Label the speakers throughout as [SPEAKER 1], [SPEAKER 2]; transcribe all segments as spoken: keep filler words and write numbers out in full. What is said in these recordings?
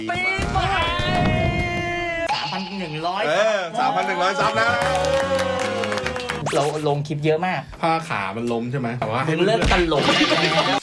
[SPEAKER 1] ปีใหม่สามพันหนึ่งร้อย
[SPEAKER 2] เออสามพันหนึ่งร้อยซับนะ
[SPEAKER 1] เราลงคลิปเยอะมาก
[SPEAKER 3] ผ้าขามันล้มใช่ไหมแต่ว่า
[SPEAKER 1] มึงเลิกตลกได้แล้ว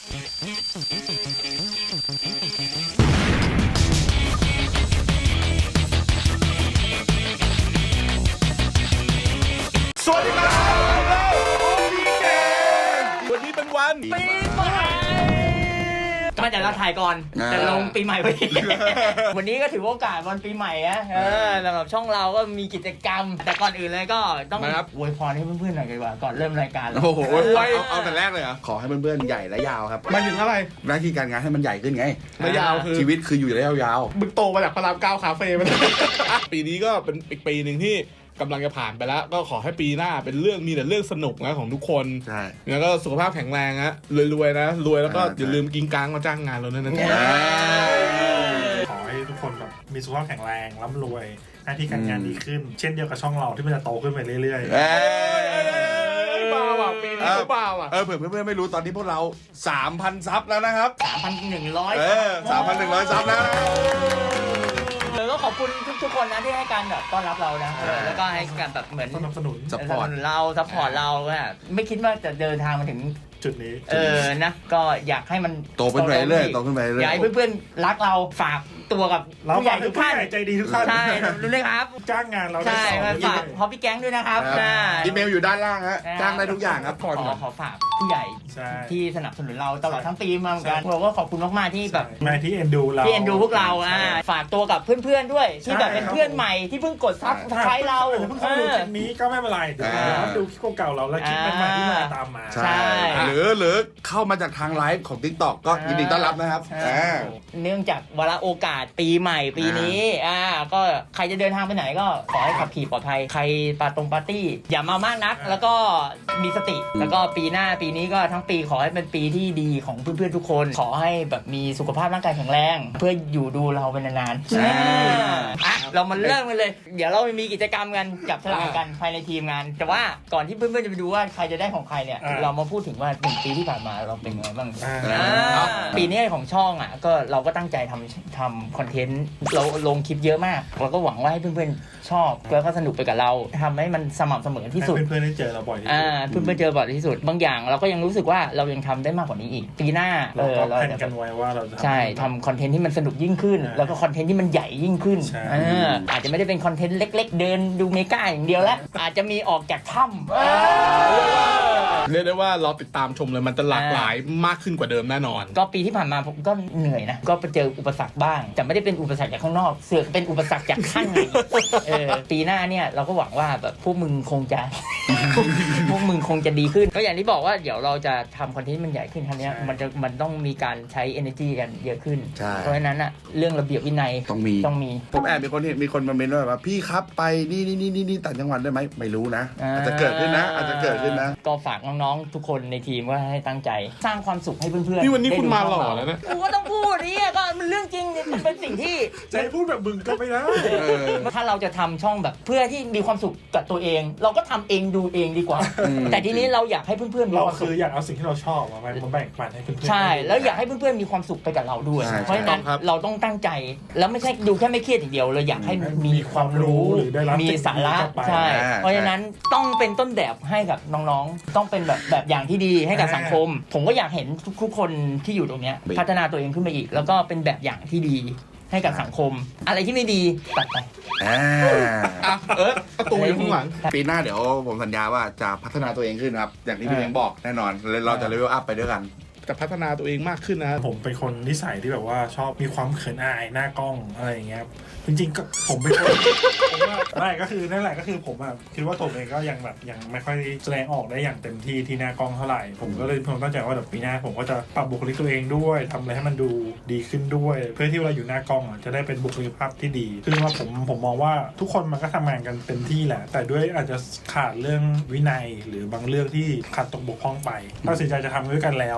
[SPEAKER 2] สวัสดีครับพี่เกมวันนี้เป็นวัน
[SPEAKER 1] ปีใหม่มาแต่เราถ่ายก่อนแต่ลงปีใหม่พอดีวันนี้ก็ถือโอกาสวันปีใหม่นะเออสำหรับช่องเราก็มีกิจกรรมแต่ก่อนอื่นเลยก็ต้องอวยพรให้เพื่อนๆหน่อยดีกว่าก่อนเริ่มรายการ
[SPEAKER 2] โอ้โหเอาเอาแต่แรกเลยเหรอขอให้เพื่อนๆใหญ่และยาวครับ
[SPEAKER 3] หมายถึงอะไร
[SPEAKER 2] หน้าที่การงานให้มันใหญ่ขึ้นไง
[SPEAKER 3] และยาวคือ
[SPEAKER 2] ชีวิตคืออยู่ได้ยาว
[SPEAKER 3] ๆมึงโตมาจากพระรามเก้าคาเฟ่มาปีนี้ก็เป็นอีกปีหนึ่งที่กำลังจะผ่านไปแล้วก็ขอให้ปีหน้าเป็นเรื่องมีแต่เรื่องสนุกนะของทุกคน
[SPEAKER 2] ใช่
[SPEAKER 3] แล้วก็สุขภาพแข็งแรงนะรวยๆนะรวยแล้วก็อย่าลืมกินกลางมาจ้างงานเราด้วยนะ
[SPEAKER 4] ขอให้ทุกคนแบบมีสุขภาพแข็งแรงร่ำรวยหน้าที่การงานดีขึ้นเช่นเดียวกับช่องเราที่มันจะโตขึ้นไปเรื่อย
[SPEAKER 3] ๆบ้าว่ะปีนี้ก็บ้าว่ะ
[SPEAKER 2] เออเผื่อเพื่อนๆไม่รู้ตอนนี้พวกเรา สามพัน ซับแล้วนะครับ
[SPEAKER 1] สามพันหนึ่งร้อย
[SPEAKER 2] เออ สามพันหนึ่งร้อย ซับแล้ว
[SPEAKER 1] เลยก็ขอบคุณทุกๆคนนะที่ให้การแบบต้อนรับเรานะแล้วก็ให้การแบบเหมือน
[SPEAKER 4] สนับสนุน
[SPEAKER 2] ซัพพอร์ต
[SPEAKER 1] เราซัพพอร์ตเราอะไม่คิดว่าจะเดินทางมาถึง
[SPEAKER 4] จุดนี้
[SPEAKER 1] เออนะก็อยากให้มัน
[SPEAKER 2] โตขึ้นไปเรื่อยโตขึ้นไปเรื่อย
[SPEAKER 1] อยากให้เพื่อนๆรักเราฝากตัวกับผู้ใหญ่ทุกท่าน
[SPEAKER 4] ใจดีทุกท่าน
[SPEAKER 1] ใช่รู้เลยครับ
[SPEAKER 4] จ้างงานเรา
[SPEAKER 1] ใช่ฝากพอพี่แก๊งด้วยนะครับ
[SPEAKER 2] อีเมลอยู่ด้านล่างฮะจ้างได้ทุกอย่างครับ
[SPEAKER 1] ขอขอฝากผู้ใหญ่ที่สนับสนุนเราตลอดทั้งปีมาเหมือนกันเราก็ขอบคุณมากๆที่แบบ
[SPEAKER 4] มาที่เอ็นดูเรา
[SPEAKER 1] ที่เอ็นดูพวกเราอ่าฝากตัวกับเพื่อนๆด้วยที่แบบเป็นเพื่อนใหม่ที่เพิ่งกดซับสไครต์เรา
[SPEAKER 4] เพิ่งเข้าดูคลิปนี้ก็ไม่เป็นไรเดี๋ยวดูคลิปเก่าเราแล้วคลิปใหม่ที่มาตามมา
[SPEAKER 2] ใช่หรือหรือเข้ามาจากทางไลฟ์ของ TikTok ก็ยินดีต้อนรับนะครับ
[SPEAKER 1] เนื่องจากวาระโอกาสปีใหม่ปีนี้อ่าก็ใครจะเดินทางไปไหนก็ขอให้ขับขี่ปลอดภัยใครปาตรงปาร์ตี้อย่ามามากนักแล้วก็มีสติแล้วก็ปีหน้าปีนี้ก็ทั้งปีขอให้เป็นปีที่ดีของเพื่อนๆทุกคนขอให้แบบมีสุขภาพร่างกายแข็งแรงเพื่ออยู่ดูเราเป็นนานๆอ่ะเรามาเริ่มกันเลยเดี๋ยวเรามีกิจกรรมกันจับฉลากกันภายในทีมงานแต่ว่าก่อนที่เพื่อนๆจะไปดูว่าใครจะได้ของใครเนี่ยเรามาพูดถึงว่าหนึ่งปีที่ผ่านมาเราเป็นไงบ้างปีนี้ของช่องอ่ะก็เราก็ตั้งใจทำทำคอนเทนต์เราลงคลิปเยอะมากเราก็หวังว่าให้เพื่อนๆชอบแล้วก็สนุกไปกับเราทำให้มันสม่ำเสมอที่สุด
[SPEAKER 4] เพื่อนๆได้เจอเราบ่อยที่สุด
[SPEAKER 1] เพื่อนๆเจอบ่อยที่สุดบางอย่างเราก็ยังรู้สึกว่าเรายังทำได้มากกว่านี้อีกปีหน้า
[SPEAKER 4] เราก็แผนกันไว้ว่าเราจะ
[SPEAKER 1] ใช่ทำคอนเทนต์ที่มันสนุกยิ่งขึ้นแล้วก็คอนเทนต์ที่มันใหญ่ยิ่งขึ้นอาจจะไม่ได้เป็นคอนเทนต์เล็กๆเดินดูเมกาอย่างเดียวแล้วอาจจะมีออกจากถ้
[SPEAKER 3] ำเรียกได้ว่าเราติดตามชมเลยมันจะหลากหลายมากขึ้นกว่าเดิมแน่นอน
[SPEAKER 1] ก็ปีที่ผ่านมาผมก็เหนื่อยนะก็ไปเจออุปสรรคบ้างแต่ไม่ได้เป็นอุปสรรคจากข้างนอกเสือกเป็นอุปสรรคจากข้างในเออปีหน้าเนี่ยเราก็หวังว่าแบบพวกมึงคงจะพวกมึงคงจะดีขึ้นก็อย่างที่บอกว่าเดี๋ยวเราจะทำคอนเทนต์มันใหญ่ขึ้นครั้งนี้มันจะมันต้องมีการใช้ energy กันเยอะขึ้นเพราะฉะนั้นอะเรื่องระเบียบวินัย
[SPEAKER 2] ต้องมี
[SPEAKER 1] ต้องมี
[SPEAKER 2] ผมแอบมีคนเห็นมีคนมาเมนว่าพี่ครับไปนี่นี่นี่นี่ต่างจังหวัดได้ไหมไม่รู้นะอาจจะเกิดขึ้นนะอาจจะเกิดขึ้นนะ
[SPEAKER 1] ก็ฝากน้องๆทุกคนในทีมว่าให้ตั้งใจสร้างความสุขให้เพื่อนๆ
[SPEAKER 3] นี่วันนี้คุณมาหล่อแล้วนะ
[SPEAKER 1] กูก็ต้องพูดนี่ก็มันเรื่องจริงมันเป็นสิ่งที่
[SPEAKER 4] ใจพูดแบบมึงก็ไม่ได้
[SPEAKER 1] ถ้าเราจะทำช่องแบบเพื่อที่มีความสุขกับตัวเองเราก็ทำเองดูเองดีกว่าแต่ทีนี้เราอยากให้เพื่อนๆมีความสุข
[SPEAKER 4] คืออยากเอาสิ่งที่เราชอบมาแบ่งปันให้เพื่อน
[SPEAKER 1] ๆใช่แล้วอยากให้เพื่อนๆมีความสุขไปกับเราด้วยเพราะฉะนั้นเราต้องตั้งใจแล้วไม่ใช่ดูแค่ไม่เครียดอย่างเดียวเราอยากให้มีความรู้มีสาระใช่เพราะฉะนั้นต้องเป็นต้นแบบให้กับน้องๆต้องเป็นแบบแบบอย่างที่ดีให้กับสังคมผมก็อยากเห็นทุกๆคนที่อยู่ตรงนี้พัฒนาตัวเองขึ้นไปอีกแล้วก็เป็นแบบอย่างที่ดีให้กับสังคมอะไรที่ไม่ดีตัดไป
[SPEAKER 2] อ่า
[SPEAKER 3] เออประตูอยู่ข้างหลัง
[SPEAKER 2] ปีหน้าเดี๋ยวผมสัญญาว่าจะพัฒนาตัวเองขึ้นครับอย่างที่พี่เล้งบอกแน่นอนเราจะเลเวลอัพไปด้วยกัน
[SPEAKER 3] จะพัฒนาตัวเองมากขึ้นนะ
[SPEAKER 4] ผมเป็นคนนิสัยที่แบบว่าชอบมีความเขินอายหน้ากล้องอะไรอย่างเงี้ยจริงๆก็ผมเป็นคนผมว่าไม่ก็คือนั่นแหละก็คือผมอ่ะคิดว่าผมเองก็ยังแบบยังไม่ค่อยแสดงออกได้อย่างเต็มที่ที่หน้ากล้องเท่าไหร่ผมก็เลยผมตั้งใจว่าเดี๋ยวปีหน้าผมก็จะปรับบุคลิกตัวเองด้วยทำอะไรให้มันดูดีขึ้นด้วยเพื่อที่เวลาอยู่หน้ากล้องอ่ะจะได้เป็นบุคลิกภาพที่ดีคือว่าผมผมมองว่าทุกคนมันก็ทำงานกันเต็มที่แหละแต่ด้วยอาจจะขาดเรื่องวินัยหรือบางเรื่องที่ขาดตกบกพร่องไปตัดสินใจจะทำด้วยกันแล้ว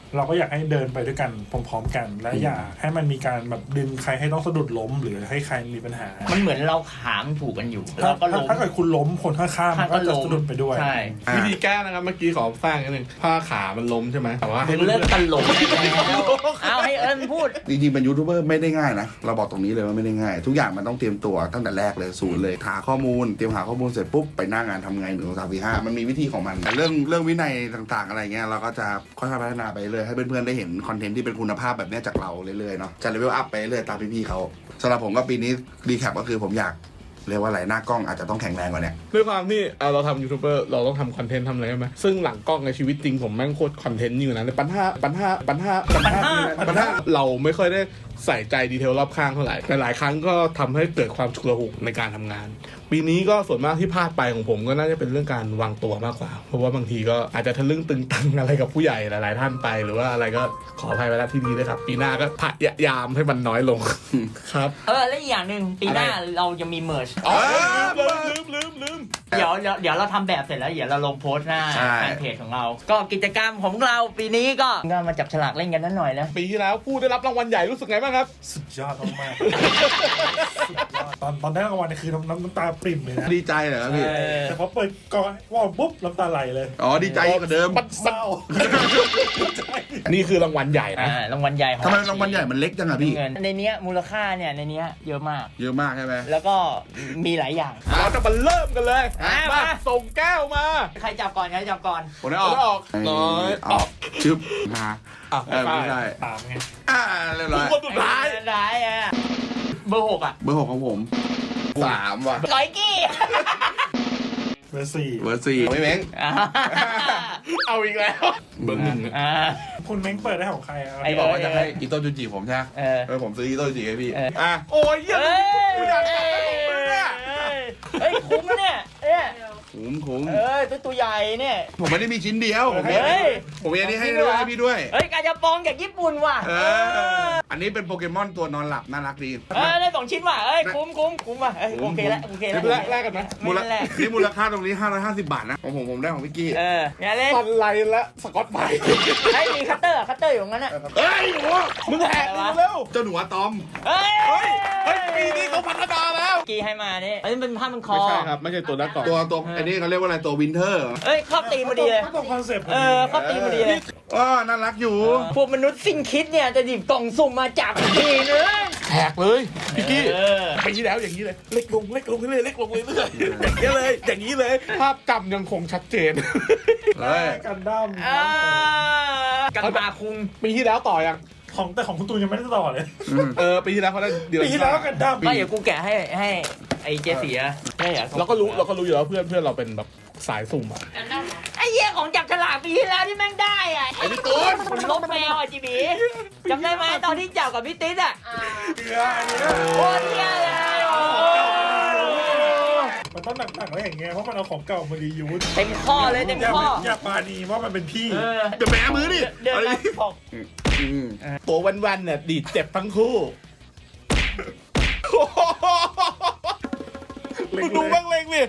[SPEAKER 4] เราก็อยากให้เดินไปด้วยกันพร้อมๆกัน และอย่าให้มันมีการแบบดึงใครให้ต้องสะดุดล้มหรือให้ใครมีปัญหา
[SPEAKER 1] มันเหมือนเราขามถูกกันอยู่
[SPEAKER 4] ถ้า
[SPEAKER 1] เราก็ล้ม
[SPEAKER 4] ถ้าเกิดคุณล้มคนข้างๆมันก็จะสะดุดไปด้วย
[SPEAKER 1] ใช่
[SPEAKER 3] วิธีแก้นะครับเมื่อกี้ขอสร้างนิดนึงผ้าขามันล้มใช่ไหมแต่ว่าให้
[SPEAKER 1] มึงเลิกตลกได้แล้วเอาให้เอิญพูด
[SPEAKER 2] จริงๆเป็นยูทูบเบอร์ไม่ได้ง่ายนะเราบอกตรงนี้เลยว่าไม่ได้ง่าย ทุกอย่างมันต้องเตรียมตัวตั้งแต่แรกเลยศูนย์เลยหาข้อมูลเตรียมหาข้อมูลเสร็จปุ๊บไปหน้างานทำไงหนึ่งสองสามสี่ห้ามันมีวิธีของมันแต่เรื่องเรื่องวินัยต่างๆอะไรเงี้ยเราก็จะค่อยๆพัฒนาไปเลยให้เพื่อนๆได้เห็นคอนเทนต์ที่เป็นคุณภาพแบบเนี้ยจากเราเรื่อยๆเนาะจะเลเวลอัพไปเรื่อยตามพี่ๆเขาสำหรับผมก็ปีนี้รีแคปก็คือผมอยากเรียกว่าอะไรหน้ากล้องอาจจะต้องแข็งแรงกว่าเนี้ย
[SPEAKER 3] ด้วยความที่เอ่อเราทำยูทูบเบอร์เราต้องทำคอนเทนต์ทำอะไรใช่ไหมซึ่งหลังกล้องในชีวิตจริงผมแม่งโคตรคอนเทนต์อยู่นะในปัญหาปัญหาปัญหาปัญหาปัญหาเราไม่ค่อยได้ใส่ใจดีเทลรอบข้างเท่าไหร่แต่หลายครั้งก็ทำให้เกิดความฉุกละหุกในการทำงาน ปีนี้ก็ส่วนมากที่พลาดไปของผมก็น่าจะเป็นเรื่องการวางตัวมากกว่าเพราะว่าบางทีก็อาจจะทะลึ่งตึงตังอะไรกับผู้ใหญ่หลาย ๆ ท่านไปหรือว่าอะไรก็ขออภัยไว้ณที่นี้ด้วยครับปีหน้าก็พยายามให้มันน้อยลงครับ
[SPEAKER 1] เออและอีกอย่างหนึ่งปีหน้าเราจะมีเมิร์ช
[SPEAKER 3] อ๋อลืมลืมลืมลืม
[SPEAKER 1] เดี๋ยวเดี๋ยวเดี๋ยวเราทำแบบเสร็จแล้วเดี๋ยวเราลงโพสต์หน้า
[SPEAKER 2] ใช่
[SPEAKER 1] แฟนเพจของเรา ก็กิจกรรมของเราปีนี้ก็ก็มาจับฉลากเล่นกันนิดหน่อยนะ
[SPEAKER 3] ปีที่แล้วผู้ได้รับรางวัลใหญ่รู้สึกไงบ้างครับ
[SPEAKER 4] สุดยอดมากๆสุดยอดตอนตอนได้รางวัลเนี่ยคือน้ำน้ำน้ำตาปริ่มเลยนะ
[SPEAKER 2] ดีใจเหรอครับพี่
[SPEAKER 1] เออ
[SPEAKER 4] แต่พอเปิดกล่องว่าวปุ๊บน้ำตาไหลเลย
[SPEAKER 2] อ๋อดีใจกว่าเดิม
[SPEAKER 3] มัน
[SPEAKER 4] เศร้า
[SPEAKER 3] นี่คือรางวัลใหญ่นะ
[SPEAKER 1] อ่ารางวัลใหญ่ของ
[SPEAKER 2] ทำไมรางวัลใหญ่มันเล็กจังอะพี่
[SPEAKER 1] เงินในเนี้ยมูลค่าเนี่ยในเนี้ยเยอะมาก
[SPEAKER 2] เยอะมากใช่ไหม
[SPEAKER 1] แล้วก็มีหลายอย่าง
[SPEAKER 3] เราจะมาเริ่มกันเลย
[SPEAKER 1] อ่ะ
[SPEAKER 3] มา
[SPEAKER 1] มา
[SPEAKER 3] ส่งแก้วมา
[SPEAKER 1] ใครจับก่อนใครจับก่อน
[SPEAKER 2] ผมได้ออก
[SPEAKER 3] ไม่ออกน้อย
[SPEAKER 2] ออกชึบมา
[SPEAKER 3] อ่ะ
[SPEAKER 2] เออไม่ได้
[SPEAKER 4] ตามไง
[SPEAKER 2] อ่าเรียบร้อย
[SPEAKER 3] คนสุดท้าย
[SPEAKER 1] สุดท้ายอ่ะเบอร์หกอ่ะ
[SPEAKER 2] เบอร์หกของผมสามว่ะ
[SPEAKER 1] ร้อยกี้
[SPEAKER 4] เบอร์สี่
[SPEAKER 2] เบอร์สี่ไม่เม้ง
[SPEAKER 1] อ่า
[SPEAKER 3] เอาอีกแล้ว เบอร์หนึ่ง
[SPEAKER 1] อ่า
[SPEAKER 4] คุณเม้งเปิดได้ของใครอะ
[SPEAKER 1] ไอ้
[SPEAKER 2] บอกว่าจะให้อิโต้จูจิผมใช่ไหม
[SPEAKER 1] เออ
[SPEAKER 2] เออผมซื้ออิโต้จูจิให้พี่
[SPEAKER 1] เออ
[SPEAKER 2] อ่ะ
[SPEAKER 3] โอ้ยเหี้ย
[SPEAKER 1] เอ้ย
[SPEAKER 3] กูอยากจับได้ของมึงเนี่ย
[SPEAKER 1] เฮ้ยคุ้มนะเนี่ยเนี่ย
[SPEAKER 2] คุ้มคุ้ม
[SPEAKER 1] เอ้ยตัวตัวใหญ่เนี่ย
[SPEAKER 2] ผมไม่ได้มีชิ้นเดียวผมมี
[SPEAKER 1] เฮ้ย
[SPEAKER 2] ผมมีอันนี้ให้ด้วยให้พี่ด้วย
[SPEAKER 1] เฮ้ยกาจะปองจากญี่ปุ่นว่ะ
[SPEAKER 2] เออ อันนี้เป็นโปเกมอนตัวนอนหลับน่ารักดี
[SPEAKER 1] เออได้สองชิ้นว่ะเอ้ยคุ้มคุ้มคุ้มว่ะเอ้ยโอเคแล้วโอเคแล้ว
[SPEAKER 3] แลกแลกกันไหม
[SPEAKER 2] มู
[SPEAKER 1] ไม่
[SPEAKER 2] ล
[SPEAKER 1] ได้แลก
[SPEAKER 2] นี่มูลค่าตรงนี้ห้าร้อยห้าสิบบาทนะของผมผมได้ของพี่กี้
[SPEAKER 1] เอออย่าเล่น
[SPEAKER 3] ตันไลและสกอตไบรท์
[SPEAKER 1] ไอ้ยมีคัตเตอร์อะคัตเตอร์อยู่ตรงนั้นอ่ะ
[SPEAKER 2] เอ้ยหนู
[SPEAKER 3] มึงแหกดูเร็ว
[SPEAKER 2] เจ้าหนูอะตอม
[SPEAKER 1] เฮ้ย
[SPEAKER 3] เฮ้ยเฮ้ยปีนี้เขาพัฒนาแล้ว
[SPEAKER 1] กีให้มานี่อันนี้เป็นผ้ามันคอ
[SPEAKER 3] ไม่ใช่ครับ ไม่ใช่ตัวนักก่อน
[SPEAKER 2] ตัวตัวอันนี้เขาเรียกว่าอะไรตัววินเทอร์
[SPEAKER 1] เอ้ยครอบตีมพอดีเลย
[SPEAKER 4] ก็ตรงคอนเซ็ปต์พอ
[SPEAKER 1] เอ
[SPEAKER 4] ดี
[SPEAKER 1] อครอบตีมพอดีเลย
[SPEAKER 2] อ๋อน่ารักอยู่
[SPEAKER 1] พวกมนุษย์สิ้นคิดเนี่ยจะหยิบกล่องสุ่มมาจับทีนึง
[SPEAKER 3] แหกเลยพี่กี้
[SPEAKER 1] เออ
[SPEAKER 3] ปีที่แล้วอย่างนี้เลย เล็กลงเล็กลงเรื่อยๆเล็กลงเรื่อยๆอย่างนี้เลย อย่างนี้เลย ภาพจำยังคงชัดเจน
[SPEAKER 2] เฮ้ย
[SPEAKER 4] กันดั้ม
[SPEAKER 1] อ่ากันมาคุง
[SPEAKER 3] ปีที่แล้วต่อยัง
[SPEAKER 4] ของแต่ของคุณตูนยังไม่ได้ต่อเลย
[SPEAKER 3] เออ ปีที่แล้วเขาได้เดือน
[SPEAKER 4] ปีที่แล้วก็กันดั้ม
[SPEAKER 1] ไม่เดี๋ยวกูแกะให้ให้ไอ้เจเสียได้เหรอ
[SPEAKER 3] เราก็รู้เราก็รู้อยู่แล้วเพื่อนเพื่อนเราเป็นแบบสายสุ่มอ่ะ
[SPEAKER 1] ไอ้เหี้ยของจับฉลากปีที่แล้วที่แม่งได้อ่ะไอ้พี่ตูนคุณลบแมวอ่ะจีบีจำได้ไหมตอนที่จับกับพี่ติ๊ดอ่ะ
[SPEAKER 4] เกลืออันนี้นะ
[SPEAKER 1] โคตรเหี้ยเลยโอ้
[SPEAKER 4] มันต้องหนักๆไว้อย่างเงี้ยเพราะมันเอาของเก่ามารียูส
[SPEAKER 1] เต็มข้อเลยเต็ม
[SPEAKER 4] อย่า
[SPEAKER 1] ข้อ
[SPEAKER 4] อย่าปานีว่ามันเป็นพี่
[SPEAKER 1] เออ
[SPEAKER 2] จะแบมือดิ
[SPEAKER 1] เดิน
[SPEAKER 2] อะไร
[SPEAKER 1] มาบอก
[SPEAKER 2] อืม
[SPEAKER 3] ตัววันๆเนี่ยดีดเจ็บทั้งคู่มึงดูบ้างเล็งดิ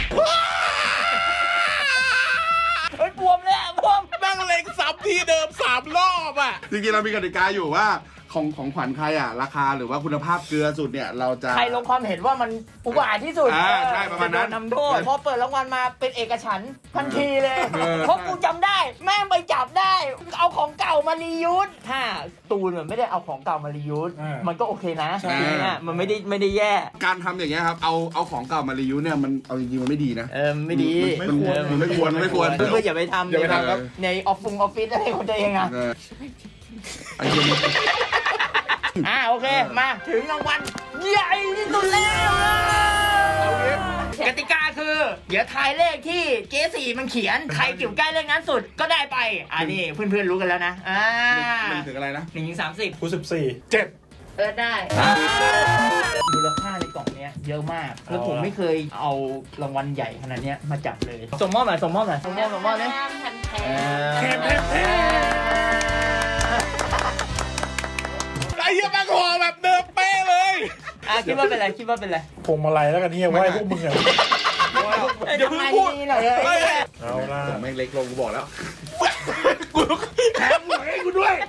[SPEAKER 1] เฮ้ยบวมเลยอะบวม
[SPEAKER 3] นั่งเล็งซ้ำที่เดิมสามรอบอ่ะ
[SPEAKER 2] จริงๆเรามีกติกาอยู่ว่าของของขวัญใครอ่ะ ราคาหรือว่าคุณภาพเกลือสุดเนี่ย เราจะ
[SPEAKER 1] ใครลงความเห็นว่ามันอุบาทที่สุด
[SPEAKER 2] อ่าใช่ประมาณนั้น
[SPEAKER 1] จโดนำโทษพอเปิดรางวัลมาเป็นเอกฉันท์ทันทีเลย
[SPEAKER 2] เออ
[SPEAKER 1] เพราะกูจำได้ แม่งไปจับได้ เอาของเก่ามารียูสถ้าตูนมันไม่ได้เอาของเก่ามารียูส
[SPEAKER 4] อ่ามั
[SPEAKER 1] มันก็โอเคนะ
[SPEAKER 2] ใช่
[SPEAKER 1] เนี่ยมันไม่ได้ไม่ได้แย่
[SPEAKER 2] การทำอย่างเงี้ยครับ เอาเอาของเก่ามารีวิวเนี่ยมันเอาจริงๆมันไม่ดีนะ
[SPEAKER 1] เออไม่ดี
[SPEAKER 2] มันมันไม่ควรมันไม่ควร
[SPEAKER 1] เพื่อนๆอย่าไปทำ
[SPEAKER 3] อย่าไปทำครับ
[SPEAKER 1] ในออฟฟิศออฟฟิศอะไรของตัวเองอะ
[SPEAKER 2] เออไอ้เหี้ยนี่
[SPEAKER 1] อ่าโอเค มาถึงรางวัลใหญ่ที่สุดแล้ว
[SPEAKER 3] เอางี้
[SPEAKER 1] กติกาคือ เดี๋ยวทายเลขที่เจสี่มันเขียน ใครอยู่ใกล้เลขนั้นสุดก็ได้ไปอ่านี่เพื่อนๆรู้กันแล้วนะอ่า
[SPEAKER 2] มันถึงอะไรนะ
[SPEAKER 1] หนึ่งถึงสามสิบ
[SPEAKER 4] กูสิบสี่
[SPEAKER 3] เจ็บ
[SPEAKER 1] เออได้มูลค่าในกล่องเนี้ยเยอะมาก แล้วผมไม่เคยเอารางวัลใหญ่ขนาดเนี้ยมาจับเลยส่งมอบหน่อยส่งมอบหน่อยส่งมอบส่งมอบเลย
[SPEAKER 4] แทมแทมแทม
[SPEAKER 3] ไอ้เหี้ยแม่งห่อแบบเดิมเป๊ะเลย
[SPEAKER 1] อ่ะคิดว่าเป็นไรคิดว่าเป็นไร
[SPEAKER 4] พวงมาลัยแล้วกันที่ยังไหว้พวกมึงอะ
[SPEAKER 3] อย่าเพิ่งพูด
[SPEAKER 1] หน่อยเอ้ย
[SPEAKER 4] เอาล่ะ
[SPEAKER 2] ผมแม่งเล็กลงกูบอกแล้ว
[SPEAKER 3] กูกู
[SPEAKER 2] แถมหวยให้กูด้วย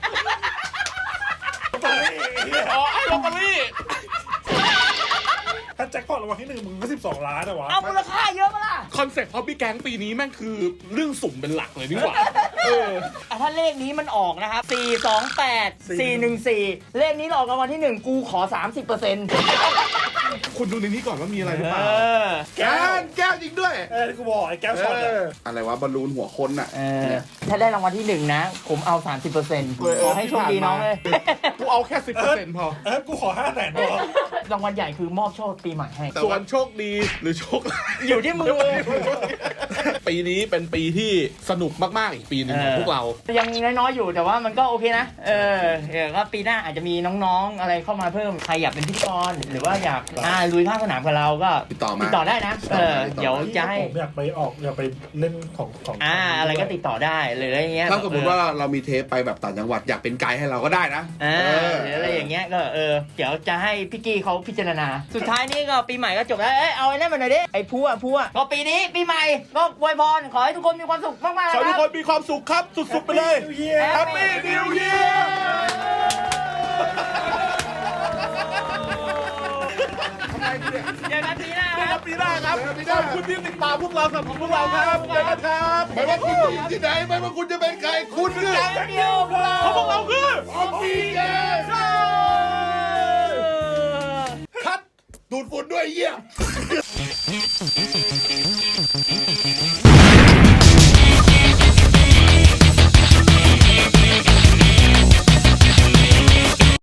[SPEAKER 3] อ๋อไอ้ลอตเตอรี่
[SPEAKER 4] ถ้าแจ็คพอตรางวัลที่หนึ่งมึงก็สิบสองล้านอะวะ
[SPEAKER 1] เอามูลค่าเยอะปะล่ะ
[SPEAKER 3] คอนเซ็ปต์ฮอบบี้แก๊งปีนี้แม่งคือเรื่องสุ่มเป็นหลักเลยนี่หว่าเออ
[SPEAKER 1] อ่ะถ้าเลขนี้มันออกนะครับสี่ สอง แปด สี่ หนึ่ง สี่ เลขนี้ออกรางวัลที่หนึ่งกูขอ สามสิบเปอร์เซ็นต์
[SPEAKER 3] คุณดูในนี้ก่อนว่ามีอะไรหรือเปล่า
[SPEAKER 2] แก้วแก้วจริงด้วย
[SPEAKER 4] เออกูบอกไอ้แก้วช็อตอะ
[SPEAKER 2] อะไรวะบอลลูนหัวคนน่ะ
[SPEAKER 1] เออถ้าได้รางวัลที่หนึ่งนะ ผมเอา สามสิบเปอร์เซ็นต์
[SPEAKER 3] เออ
[SPEAKER 1] ขอให้โชคดีน้องเลย
[SPEAKER 3] กูเอาแค่สิบเปอร์เซ็นต์พอ
[SPEAKER 4] เออกูขอห้าแสนพอ
[SPEAKER 1] รางวัลใหญ่คือมอบโชคปีใหม่ให้
[SPEAKER 3] ส่วนโชคดีหรือโชคร้าย
[SPEAKER 1] อยู่ที่มือ
[SPEAKER 3] ปีนี้เป็นปีที่สนุกมากๆอีกปีหนึ่งของพวกเรา
[SPEAKER 1] ยังน้อยๆอยู่แต่ว่ามันก็โอเคนะ เออเออก็ปีหน้าอาจจะมีน้องๆอะไรเข้ามาเพิ่ม ใครอยากเป็นพิธีกรหรือว่าอยากอ่าลุยภาคสนามกับเราก็
[SPEAKER 2] ติดต่อมา
[SPEAKER 1] ติดต่อได้นะ เออ เดี๋ยวจะให้
[SPEAKER 4] ผมอยากไปออกอยากไปเล่นของของ
[SPEAKER 1] อ่า อะไรก็ติดต่อได้หรืออะไรเงี้ย
[SPEAKER 2] ถ้าสมมติว่าเรามีเทปไปแบบต่างจังหวัดอยากเป็นไกด์ให้เราก็ได้นะ
[SPEAKER 1] อ่า
[SPEAKER 2] เออ
[SPEAKER 1] หรืออะไรอย่างเงี้ยก็เออเดี๋ยวจะให้พี่กี้เขาพิจารณา สุดท้ายนี้ก็ปีใหม่ก็จบแล้ว เอ้ยเอาไอ้นั่นมาหน่อยดิไอ้พัวพัวก็ปีนี้ปีใหม่ก็อวยพรขอให้ทุกคนมีความสุขมากๆ
[SPEAKER 3] ขอ
[SPEAKER 1] นะ
[SPEAKER 3] ให้
[SPEAKER 1] ค
[SPEAKER 3] ทุก
[SPEAKER 1] รับ
[SPEAKER 3] คนมีความสุขครับ สุดๆไปเลย
[SPEAKER 4] นิวเยียร์
[SPEAKER 3] Happy New Year
[SPEAKER 1] เจอกันปีหน้า
[SPEAKER 3] เจอ
[SPEAKER 1] ค
[SPEAKER 3] กั
[SPEAKER 1] รั
[SPEAKER 3] น
[SPEAKER 1] บ
[SPEAKER 3] ปีหน้าครับขอบคุณที่ติดตามพวกเราสำหรับพวกเราครับเจอกันครับ
[SPEAKER 2] ไม่ว่าคุณจะอยู่ที่ไหนไม่ว่าคุณจะเป็นใครคุณคือ
[SPEAKER 1] เดียวพวกเรา
[SPEAKER 3] เพราะพวกเราคือ
[SPEAKER 2] ออฟฟี่เกมคัดดูดฝุ่นด้วยเยี่ย